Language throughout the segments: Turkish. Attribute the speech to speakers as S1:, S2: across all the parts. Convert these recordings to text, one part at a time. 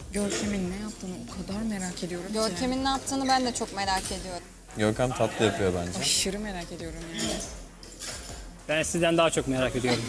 S1: Görkem'in ne yaptığını o kadar merak ediyorum ki.
S2: Görkem'in ne yaptığını ben de çok merak ediyorum.
S3: Görkem tatlı yapıyor bence.
S1: Aşırı merak ediyorum yani.
S4: Ben sizden daha çok merak ediyorum.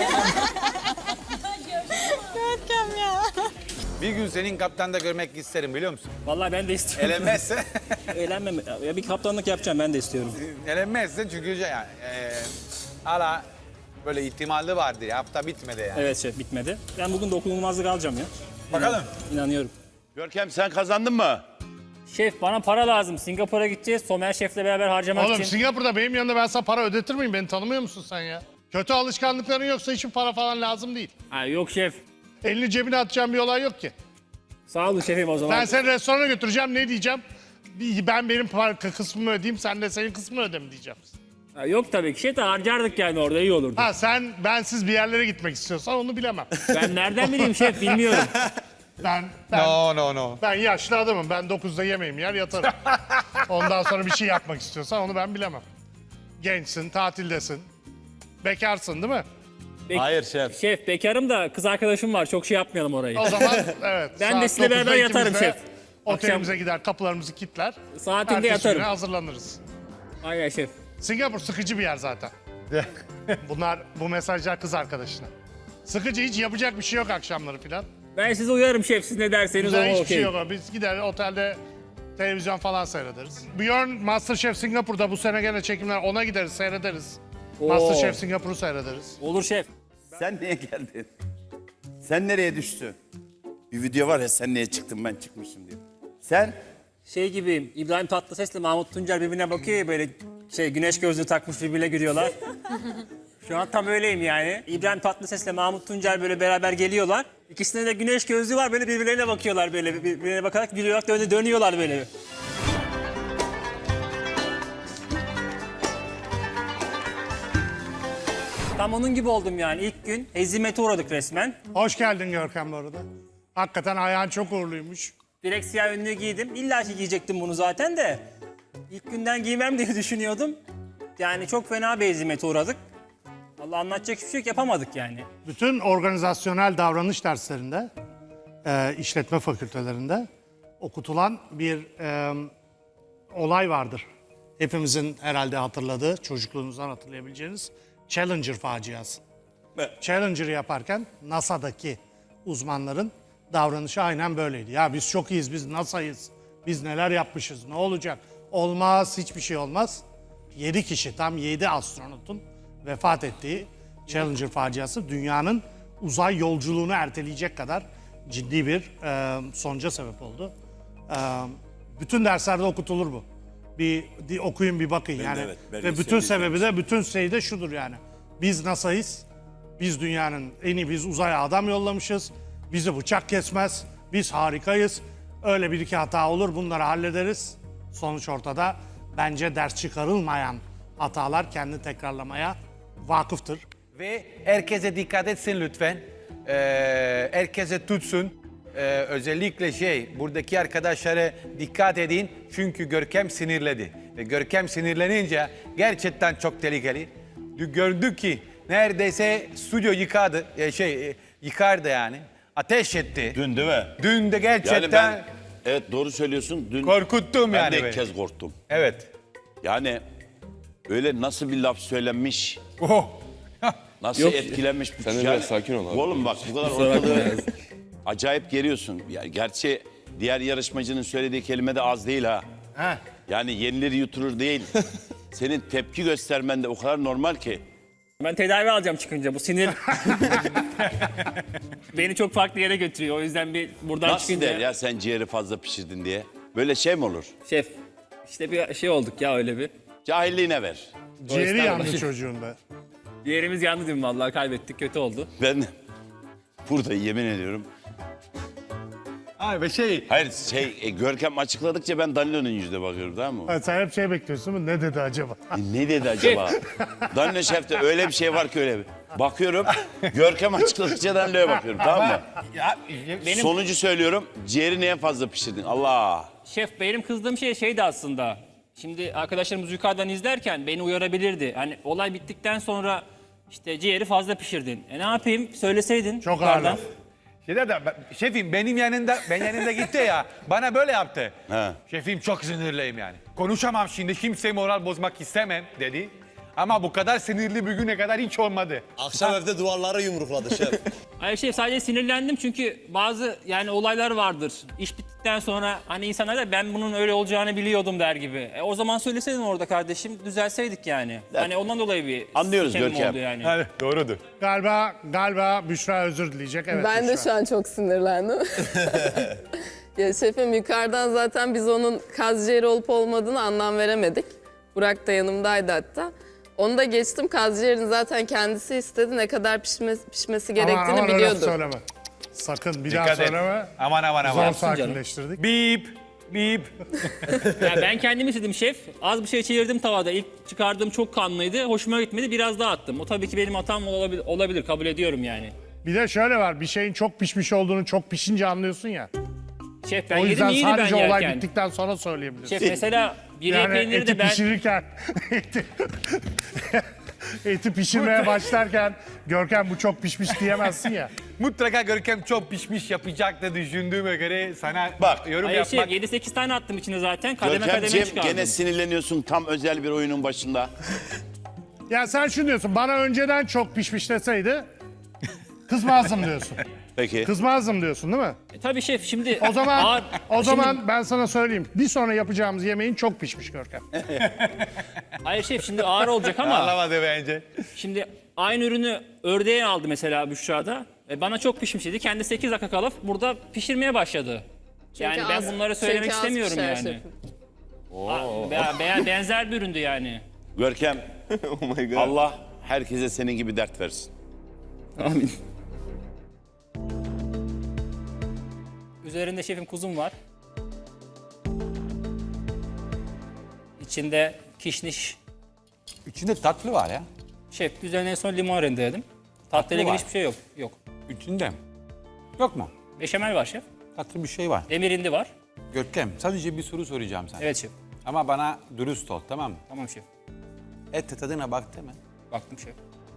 S2: Görkem ya.
S5: Bir gün senin kaptanda görmek isterim biliyor musun?
S4: Vallahi ben de istiyorum.
S5: Elenmezse,
S4: Eğlenmem. Ya bir kaptanlık yapacağım, ben de istiyorum.
S5: elenmezse çünkü yani hala böyle ihtimali vardır ya, hafta bitmedi yani.
S4: Evet şef, bitmedi. Ben bugün dokunulmazlık alacağım ya.
S5: Bakalım.
S4: İnanıyorum.
S6: Görkem sen kazandın mı?
S4: Şef bana para lazım. Singapur'a gideceğiz. Somer Şef'le beraber harcamak
S7: Oğlum
S4: için.
S7: Singapur'da benim yanında ben sana para ödetir miyim? Beni tanımıyor musun sen ya? Kötü alışkanlıkların yoksa hiçbir para falan lazım değil.
S4: Ha, yok şef.
S7: Elini cebine atacağım bir olay yok ki.
S4: Sağ olun şefim o zaman.
S7: Ben seni restorana götüreceğim, ne diyeceğim? Ben benim kısmımı ödeyeyim, sen de senin kısmını öde mi diyeceğim.
S4: Ha, yok tabii ki şef de harcardık yani, orada iyi olurdu.
S7: Ha sen bensiz bir yerlere gitmek istiyorsan onu bilemem.
S4: Ben nereden bileyim şef, bilmiyorum.
S7: Ben
S5: No.
S7: ben yaşlı adamım. Ben 9'da yemeğimi yer yatarım. Ondan sonra bir şey yapmak istiyorsan onu ben bilemem. Gençsin, tatildesin. Bekarsın değil mi?
S5: Hayır şef.
S4: Şef bekarım da kız arkadaşım var, çok şey yapmayalım orayı.
S7: O zaman evet.
S4: Ben
S7: saat
S4: de sizinle
S7: 9'da
S4: beraber yatarım
S7: ikimiz de
S4: şef.
S7: Otelimize gider, kapılarımızı kilitler.
S4: Saatinde
S7: Ertesi
S4: yatarım.
S7: güne hazırlanırız.
S4: Aynen şef.
S7: Singapur sıkıcı bir yer zaten. Bu mesajlar kız arkadaşına. Sıkıcı, hiç yapacak bir şey yok akşamları filan.
S4: Ben size uyarım şef, siz ne derseniz
S7: Güzel
S4: o
S7: hiçbir
S4: okey.
S7: şey yok. Biz gider otelde televizyon falan seyrederiz. Björn Masterchef Singapur'da bu sene gene çekimler, ona gideriz seyrederiz.
S4: Oo.
S7: Masterchef Singapur'u seyrederiz.
S4: Olur şef.
S6: Sen niye geldin? Sen nereye düştün? Bir video var ya, sen niye çıktın ben çıkmışım diye. Sen
S4: Şey gibi, İbrahim Tatlıses'le Mahmut Tuncer birbirine bakıyor ya, böyle güneş gözlüğü takmış birbirine gülüyorlar. Şu an tam öyleyim yani. İbrahim Tatlıses'le Mahmut Tuncer böyle beraber geliyorlar. İkisinde de güneş gözlüğü var, böyle birbirlerine bakıyorlar, böyle birbirine bakarak gülüyorlar, dönüyorlar böyle. Tam onun gibi oldum yani. İlk gün hezimete uğradık resmen.
S7: Hoş geldin Görkem bu arada. Hakikaten ayağın çok uğurluymuş.
S4: Direkt siyah önlüğü giydim. İlla ki giyecektim bunu zaten de. İlk günden giymem diye düşünüyordum. Yani çok fena bir hezimete uğradık. Allah, anlatacak hiçbir şey yok, yapamadık yani.
S7: Bütün organizasyonel davranış derslerinde, işletme fakültelerinde okutulan bir olay vardır. Hepimizin herhalde hatırladığı, çocukluğunuzdan hatırlayabileceğiniz Challenger faciası. Challenger'ı yaparken NASA'daki uzmanların davranışı aynen böyleydi. Ya biz çok iyiyiz, biz NASA'yız, biz neler yapmışız, ne olacak? Olmaz, hiçbir şey olmaz. 7 kişi, tam 7 astronotun vefat ettiği Challenger faciası dünyanın uzay yolculuğunu erteleyecek kadar ciddi bir sonuca sebep oldu. Bütün derslerde okutulur bu. Bir okuyun, bir bakın yani.
S6: evet, ben
S7: Ve bütün sebebi de, bütün şey de şudur yani. Biz NASA'yız. Biz dünyanın en iyi, biz uzaya adam yollamışız. Bizi bıçak kesmez. Biz harikayız. Öyle bir iki hata olur, bunları hallederiz. Sonuç ortada. Bence ders çıkarılmayan hatalar kendi tekrarlamaya vakıftır.
S5: Ve herkese dikkat etsin lütfen. Herkese tutsun. Özellikle buradaki arkadaşlara dikkat edin. Çünkü Görkem sinirledi. Ve Görkem sinirlenince gerçekten çok tehlikeli. Gördük ki neredeyse stüdyo yıkadı. Yıkardı yani. Ateş etti.
S6: dün değil mi?
S5: Dün de gerçekten
S6: Yani ben, evet doğru söylüyorsun. Dün
S5: korkuttum
S6: ben
S5: yani
S6: de ilk
S5: beni.
S6: kez korktum.
S5: Evet.
S6: Yani öyle nasıl bir laf söylenmiş,
S5: Oh.
S6: nasıl
S3: Yok,
S6: etkilenmiş.
S3: sen de biraz sakin ol abi.
S6: Oğlum bak bu kadar ortalığı acayip geriyorsun. Yani gerçi diğer yarışmacının söylediği kelime de az değil ha.
S5: Ha.
S6: Yani yenilir yutulur değil. Senin tepki göstermen de o kadar normal ki.
S4: Ben tedavi alacağım çıkınca, bu sinir beni çok farklı yere götürüyor. O yüzden bir buradan
S6: Nasıl
S4: çıkınca...
S6: der ya sen ciğeri fazla pişirdin diye. Böyle şey mi olur?
S4: Şef, işte bir şey olduk ya, öyle bir.
S6: Cahilliğine ver.
S7: Ciğeri
S4: estağfurullah.
S7: yandı çocuğun da.
S4: Diğerimiz yandı değil mi? Vallahi kaybettik, kötü oldu.
S6: Ben burada yemin ediyorum.
S5: Ay ve
S6: Hayır Görkem açıkladıkça ben Danilo'nun yüzüne bakıyorum, tamam mı?
S7: Ha, sen hep şey bekliyorsun mu? Ne dedi acaba?
S6: Ne dedi acaba? Danilo Şef'te öyle bir şey var ki öyle bir. Bakıyorum, Görkem açıkladıkça Danilo'ya bakıyorum, tamam mı? Sonucu söylüyorum, ciğeri neye fazla pişirdin? Allah!
S4: Şef, benim kızdığım şey şeydi aslında. Şimdi arkadaşlarımız yukarıdan izlerken beni uyarabilirdi. Hani olay bittikten sonra işte ciğeri fazla pişirdin. Ne yapayım? Söyleseydin.
S7: Çok
S4: yukarıdan.
S7: ağır laf.
S5: Şeyde de şefim benim yanında gitti ya. Bana böyle yaptı.
S6: He.
S5: Şefim çok sinirliyim yani. Konuşamam şimdi kimseye moral bozmak istemem dedi. Ama bu kadar sinirli bir güne kadar hiç olmadı.
S8: Akşam evde duvarlara yumrukladı şef.
S4: Hayır şef, sadece sinirlendim çünkü bazı yani olaylar vardır. İş bittikten sonra hani insanlar da ben bunun öyle olacağını biliyordum der gibi. O zaman söyleseydin orada kardeşim, düzelseydik yani. Hani ondan dolayı bir
S6: Anlıyoruz
S4: sikemim
S6: Görkem.
S4: oldu yani.
S5: Evet doğrudur.
S7: Galiba Büşra özür dileyecek. Evet,
S9: Ben de
S7: Büşra.
S9: şu an çok sinirlendim. Ya şefim yukarıdan zaten biz onun kaz ciğeri olup olmadığını anlam veremedik. Burak da yanımdaydı hatta. Onu da geçtim, kaz ciğerini zaten kendisi istedi. Ne kadar pişmesi gerektiğini
S7: aman öyle
S9: biliyordu.
S7: söyleme. Sakın bir daha
S5: Dikkat et.
S7: söyleme.
S5: Aman.
S7: Zor sakinleştirdik.
S5: Bip.
S4: Ya ben kendim istedim şef. Az bir şey çevirdim tavada. İlk çıkardığım çok kanlıydı. Hoşuma gitmedi. Biraz daha attım. O tabii ki benim hatam olabilir. Kabul ediyorum yani.
S7: Bir de şöyle var, bir şeyin çok pişmiş olduğunu çok pişince anlıyorsun ya.
S4: Şef ben
S7: O
S4: yedim,
S7: yüzden
S4: iyiydi ben
S7: sadece olay
S4: yerken.
S7: bittikten sonra söyleyebilirsin.
S4: Şef mesela bir
S7: Yani
S4: peyniri
S7: eti
S4: de ben...
S7: pişirirken, eti pişirmeye başlarken Görkem bu çok pişmiş diyemezsin ya.
S5: Mutlaka Görkem çok pişmiş yapacaktı düşündüğüme göre sana
S6: Bak.
S5: yorum
S4: Hayır
S5: yapmak.
S4: şef 7-8 tane attım içine zaten. Kademe kademe
S6: Görkemciğim
S4: çıkardım.
S6: gene sinirleniyorsun tam özel bir oyunun başında.
S7: Ya sen şunu diyorsun, bana önceden çok pişmiş deseydi kızmazdım diyorsun.
S6: Peki.
S7: Kızmazdım diyorsun değil mi?
S4: Tabii şef şimdi...
S7: O zaman
S4: Ağır-
S7: o zaman
S4: Şimdi-
S7: ben sana söyleyeyim. Bir sonra yapacağımız yemeğin çok pişmiş Görkem.
S4: Hayır şef şimdi ağır olacak ama...
S5: Anlamadı bence.
S4: Şimdi aynı ürünü ördeğe aldı mesela Büşra'da. Bana çok pişmiş dedi. Kendi 8 dakika kalıp burada pişirmeye başladı. Yani ben bunları söylemek
S9: çünkü az
S4: istemiyorum
S9: pişer
S4: yani.
S9: şefim.
S4: Benzer bir üründü yani.
S6: Görkem
S3: Oh my god.
S6: Allah herkese senin gibi dert versin.
S4: Amin. Üzerinde şefim kuzum var. İçinde kişniş.
S5: İçinde tatlı var ya.
S4: Şef üzerine en son limon rendeledim. Tatlıyla ilgili
S5: var.
S4: hiçbir şey yok. Yok.
S5: İçinde. Yok mu?
S4: Beşamel var şef.
S5: Tatlı bir şey var.
S4: Demirindi var.
S5: Görkem sadece bir soru soracağım sana.
S4: Evet şef.
S5: Ama bana dürüst ol tamam mı?
S4: Tamam şef.
S5: Et tadına baktı mı?
S4: Baktım şef.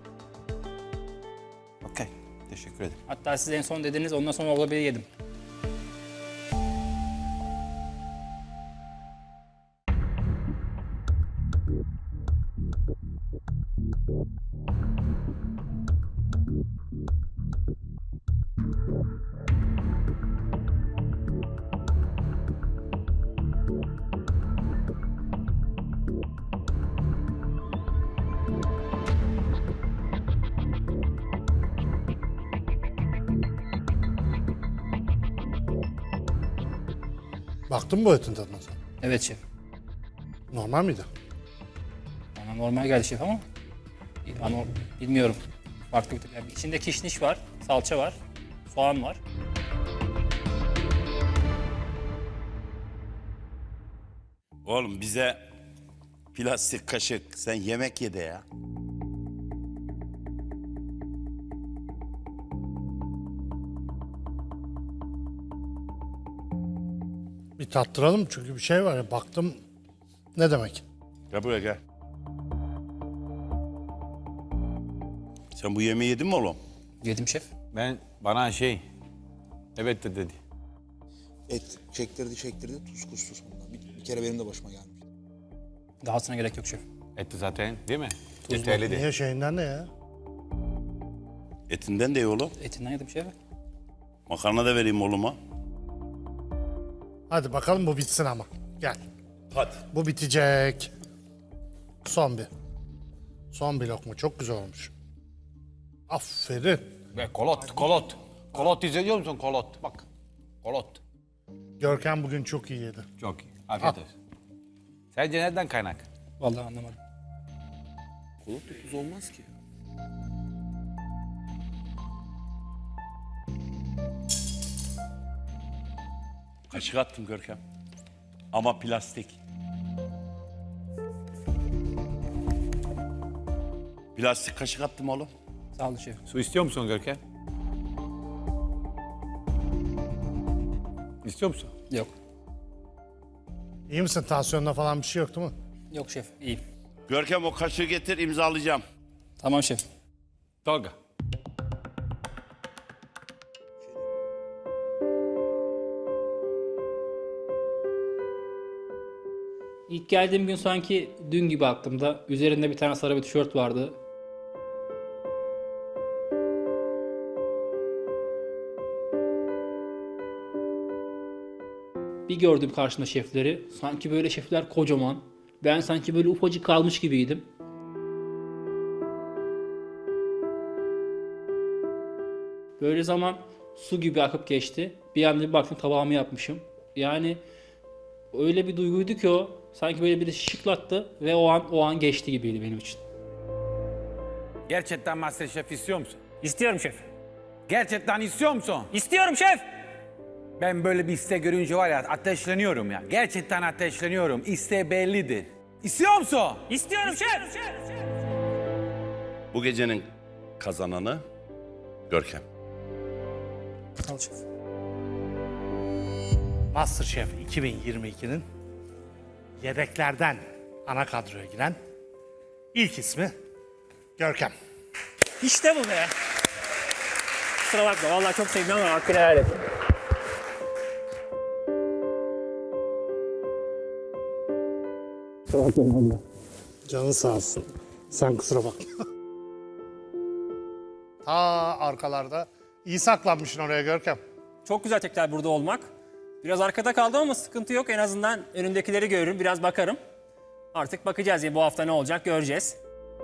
S5: Okey. Teşekkür ederim.
S4: Hatta siz en son dediniz, ondan sonra olabilir yedim.
S7: Baktın mı bu etin tadına sen?
S4: Evet şef.
S7: Normal miydi?
S4: Bana normal geldi şef ama bilmiyorum. Farklı bir yani içinde kişniş var, salça var, soğan var.
S6: Oğlum bize plastik kaşık sen yemek ye de ya.
S7: Bir tattıralım çünkü bir şey var ya, baktım ne demek?
S6: Gel buraya gel. Sen bu yemeği yedin mi oğlum?
S4: Yedim şef.
S5: Bana evet de dedi.
S8: Et çektirdi tuz kustu sonunda. Bir kere benim de başıma gelmiş.
S4: Dahasına gerek yok şef.
S5: Et zaten değil mi? Yeterli de.
S7: Niye şeyinden ne ya?
S6: Etinden de ye oğlum.
S4: Etinden yedim şef.
S6: Makarna da vereyim oğluma.
S7: Hadi bakalım bu bitsin ama. Gel.
S6: Hadi.
S7: Bu bitecek. Son bir. Son bir lokma. Çok güzel olmuş. Aferin.
S5: Ve kolot. Kolot izliyor musun kolot? Bak. Kolot.
S7: Görkem bugün çok iyi yedi.
S5: Çok iyi. Afiyet olsun. Sence nereden kaynak?
S4: Vallahi anlamadım.
S8: Kolot da tuz olmaz ki.
S6: Kaşık attım Görkem. Ama plastik. Plastik kaşık attım oğlum.
S4: Sağ olun şef.
S5: Su istiyor musun Görkem? İstiyor musun?
S4: Yok.
S7: İyi misin? Tansiyonda falan bir şey yok değil mi?
S4: Yok şef. İyi.
S6: Görkem o kaşığı getir imzalayacağım.
S4: Tamam şef.
S5: Tolga.
S10: İlk geldiğim gün sanki dün gibi aklımda. Üzerinde bir tane sarı bir tişört vardı. Bir gördüm karşımda şefleri. Sanki böyle şefler kocaman. Ben sanki böyle ufacık kalmış gibiydim. Böyle zaman su gibi akıp geçti. Bir anda bir baktım tabağımı yapmışım. Yani öyle bir duyguydu ki o. Sanki böyle biri şıklattı ve o an geçti gibiydi benim için.
S5: Gerçekten MasterChef istiyor musun?
S4: İstiyorum şef.
S5: Gerçekten istiyor musun?
S4: İstiyorum şef.
S5: Ben böyle bir istek görünce var ya ateşleniyorum ya. Gerçekten ateşleniyorum. İsteği bellidir. İstiyor musun?
S4: İstiyorum şef.
S6: Bu gecenin kazananı Görkem.
S4: Al şef.
S7: MasterChef 2022'nin yedeklerden ana kadroya giren ilk ismi Görkem.
S4: İşte bu be. Kusura bakma vallahi çok sevdim ama hakkını helal et.
S7: Canın sağ olsun. Sen kusura bakma. Ta arkalarda iyi saklanmışsın oraya Görkem.
S4: Çok güzel tekrar burada olmak. Biraz arkada kaldım ama sıkıntı yok. En azından önümdekileri görürüm, biraz bakarım. Artık bakacağız ya bu hafta ne olacak göreceğiz.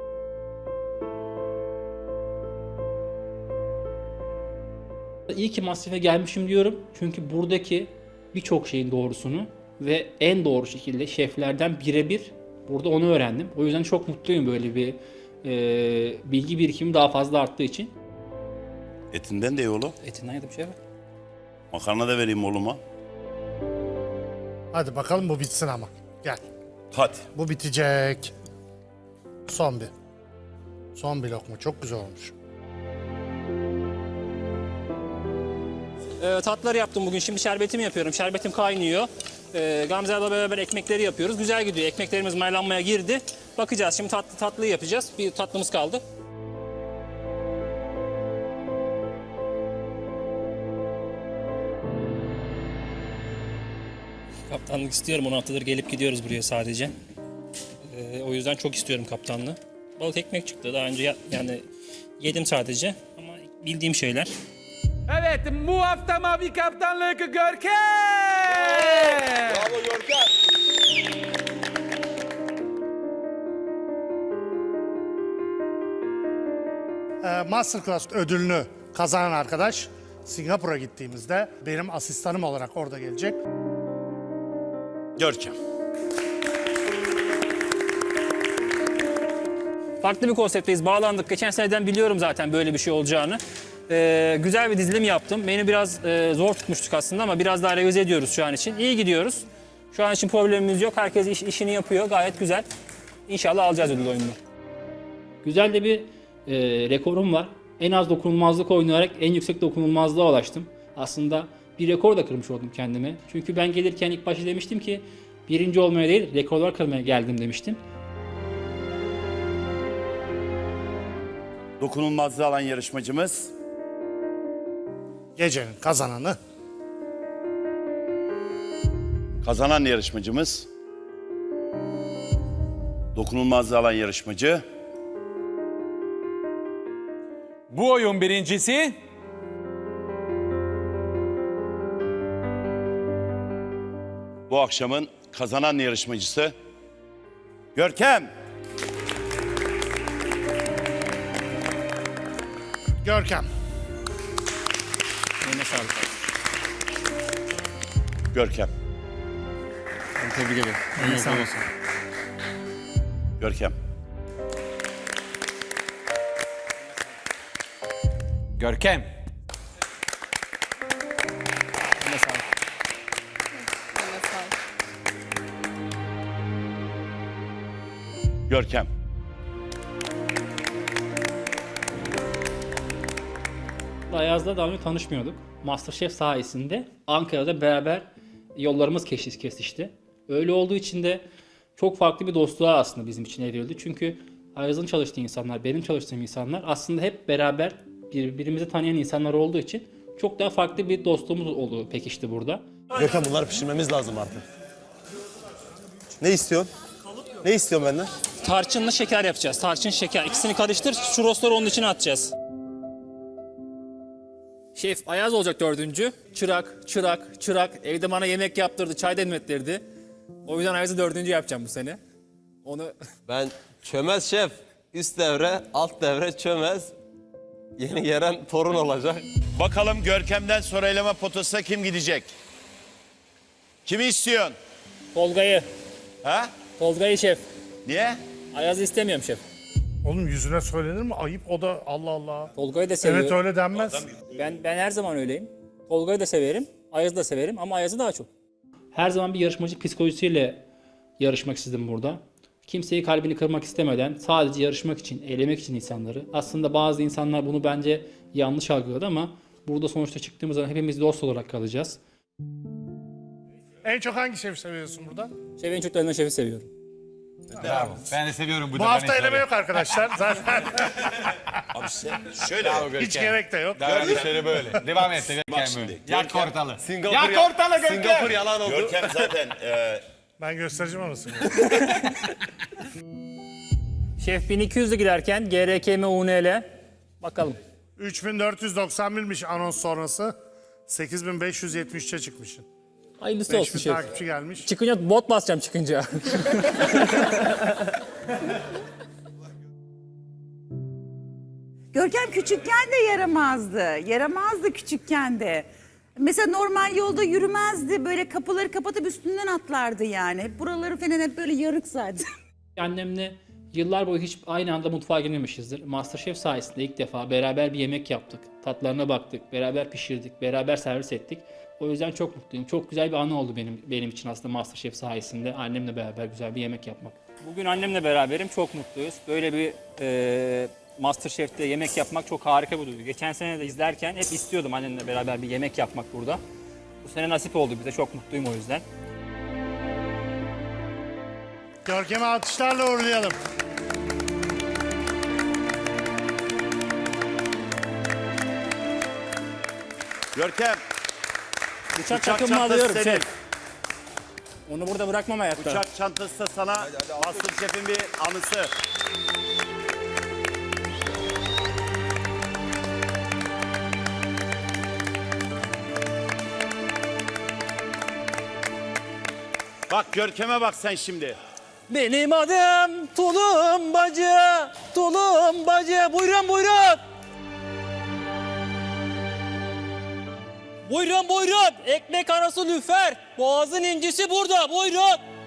S10: İyi ki MasterChef'e gelmişim diyorum. Çünkü buradaki birçok şeyin doğrusunu ve en doğru şekilde şeflerden birebir burada onu öğrendim. O yüzden çok mutluyum böyle bir bilgi birikimi daha fazla arttığı için.
S6: Etinden de yolu.
S10: Etinden yedim şef.
S6: Makarna da vereyim oğluma.
S7: Hadi bakalım bu bitsin ama. Gel.
S6: Hadi.
S7: Bu bitecek. Son bir. Son bir lokma. Çok güzel olmuş.
S4: Tatlıları yaptım bugün. Şimdi şerbetimi yapıyorum. Şerbetim kaynıyor. Gamze abla beraber ekmekleri yapıyoruz. Güzel gidiyor. Ekmeklerimiz maylanmaya girdi. Bakacağız. Şimdi tatlıyı yapacağız. Bir tatlımız kaldı. Kaptanlık istiyorum. 10 haftadır gelip gidiyoruz buraya sadece. O yüzden çok istiyorum kaptanlığı. Balık ekmek çıktı. Daha önce yani yedim sadece. Ama bildiğim şeyler.
S5: Evet, bu hafta Mavi Kaptanlık Görkem!
S8: Bravo Görkem.
S7: Masterclass ödülünü kazanan arkadaş Singapur'a gittiğimizde benim asistanım olarak orada gelecek.
S6: Görkem.
S4: Farklı bir konseptteyiz. Bağlandık. Geçen seneden biliyorum zaten böyle bir şey olacağını. Güzel bir dizilim yaptım. Beni biraz zor tutmuştuk aslında ama biraz daha revize ediyoruz şu an için. İyi gidiyoruz. Şu an için problemimiz yok. Herkes işini yapıyor. Gayet güzel. İnşallah alacağız ödül oyununu.
S10: Güzel de bir rekorum var. En az dokunulmazlık oynayarak en yüksek dokunulmazlığa ulaştım. Aslında bir rekor da kırmış oldum kendime. Çünkü ben gelirken ilk başta demiştim ki birinci olmaya değil rekorlar kırmaya geldim demiştim.
S6: Dokunulmazlığı alan yarışmacımız
S7: Gecenin kazananı
S6: kazanan yarışmacımız dokunulmazlığı alan yarışmacı
S5: Bu oyun birincisi
S6: bu akşamın kazanan yarışmacısı Görkem.
S7: Görkem.
S4: Eline sağlık.
S6: Görkem.
S4: Tebrik ederim. Eline sağlık.
S6: Görkem.
S5: Görkem.
S4: Eline sağlık.
S6: Görkem.
S10: Ayaz'la daha önce tanışmıyorduk. MasterChef sayesinde Ankara'da beraber yollarımız kesişti. Öyle olduğu için de çok farklı bir dostluğa aslında bizim için evrildi. Çünkü Ayaz'ın çalıştığı insanlar, benim çalıştığım insanlar aslında hep beraber birbirimizi tanıyan insanlar olduğu için çok daha farklı bir dostluğumuz oldu pekişti burada.
S3: Görkem bunları pişirmemiz lazım artık. Ne istiyorsun? Ne istiyorsun benden?
S4: Tarçınla şeker yapacağız. Tarçın, şeker. İkisini karıştır. Churrosları onun içine atacağız. Şef Ayaz olacak 4. Çırak. Evde bana yemek yaptırdı, çay demlettirdi. O yüzden Ayaz'ı 4. yapacağım bu sene. Onu
S3: Ben çömez şef. Üst devre, alt devre çömez. Yeni gelen torun olacak.
S6: Bakalım Görkem'den sonra eleme potasına kim gidecek? Kimi istiyorsun?
S4: Tolga'yı.
S6: Ha?
S4: Tolga'yı şef.
S6: Niye?
S4: Ayaz'ı istemiyorum şef.
S7: Oğlum yüzüne söylenir mi? Ayıp o da Allah Allah.
S4: Tolga'yı da seviyorum.
S7: Evet öyle denmez.
S4: Ben her zaman öyleyim. Tolga'yı da severim. Ayaz'ı da severim ama Ayaz'ı daha çok.
S10: Her zaman bir yarışmacı psikolojisiyle yarışmak istedim burada. Kimseyi kalbini kırmak istemeden sadece yarışmak için, eğlemek için insanları. Aslında bazı insanlar bunu bence yanlış algıladı ama burada sonuçta çıktığımız zaman hepimiz dost olarak kalacağız.
S7: En çok hangi şefi seviyorsun burada?
S4: Şefin çocuklarından şefi seviyorum.
S5: Bravo. Ben de seviyorum
S7: Bu hafta eleme yok arkadaşlar. Zaten
S6: Abi sen şöyle.
S7: hiç gerek de yok.
S5: Davranışları böyle. Devam et.
S6: Bak şimdi.
S5: Yak ortalı.
S3: Singapur,
S5: Yak ortalı Görkem.
S3: Singapur yalan oldu.
S6: Görkem zaten
S7: Ben göstereceğim anasını.
S4: Şef 1200'de giderken GRKM UNL. Bakalım.
S7: 3491'miş anons sonrası. 8573'e çıkmışsın.
S4: Hayırlısı olsun
S7: 5000
S4: şef.
S7: takipçi gelmiş.
S4: Çıkınca bot basacağım çıkınca.
S2: Görkem küçükken de yaramazdı. Yaramazdı küçükken de. Mesela normal yolda yürümezdi. Böyle kapıları kapatıp üstünden atlardı yani. Hep buraları falan hep böyle yarık zaten.
S10: Annemle yıllar boyu hiç aynı anda mutfağa girmemişizdir. MasterChef sayesinde ilk defa beraber bir yemek yaptık. Tatlarına baktık, beraber pişirdik, beraber servis ettik. O yüzden çok mutluyum. Çok güzel bir anı oldu benim için aslında MasterChef sayesinde annemle beraber güzel bir yemek yapmak.
S4: Bugün annemle beraberim. Çok mutluyuz. Böyle bir MasterChef'te yemek yapmak çok harika bir duygu. Geçen sene de izlerken hep istiyordum annemle beraber bir yemek yapmak burada. Bu sene nasip oldu bize. Çok mutluyum o yüzden.
S7: Görkem'i alkışlarla uğurlayalım.
S6: Görkem.
S4: Bıçak
S6: çantası
S4: takımımı alıyorum
S6: senin.
S4: şef. Onu burada bırakmam hayatta.
S6: Uçak çantası da sana MasterChef'in bir anısı. Bak Görkem'e bak sen şimdi.
S4: Benim adım Tulumbacı, Tulumbacı. Buyurun, buyurun. Buyurun, buyurun. Ekmek arası lüfer. Boğazın incisi burada. Buyurun.